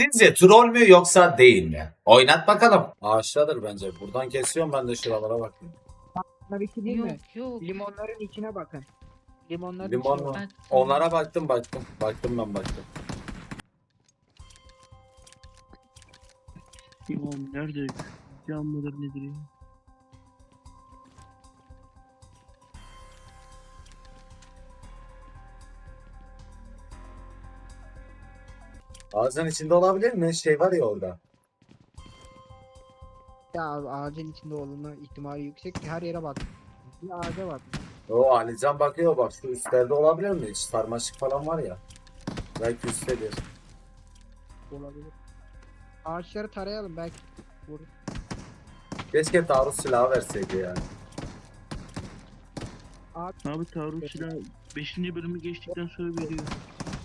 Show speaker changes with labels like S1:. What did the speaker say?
S1: Sizce troll mü yoksa değil mi? Oynat bakalım. Ağaçtadır bence. Buradan kesiyorum ben de şuralara bakayım.
S2: Bunlar iki değil mi?
S3: Yok yok.
S2: Limonların içine bakın. Limonların
S1: Limon
S2: içine
S1: mu?
S2: bakın.
S1: Onlara baktım. Baktım ben.
S4: Oğlum nerede? Can mıdır nedir ya?
S1: Ağzın içinde olabilir mi? Şey var ya orada.
S2: Ya abi, ağacın içinde olma ihtimali yüksek ki her yere bak. Bir ağaca bak.
S1: O Alican bakıyor bak şu üstlerde olabilir mi? Hiç sarmaşık falan var ya. Belki üsttedir.
S2: Olabilir. Ağaçları tarayalım belki. Vurur.
S1: Keşke taarruz silahı verseydi yani.
S4: Abi taarruz silahı 5. bölümü geçtikten sonra veriyor.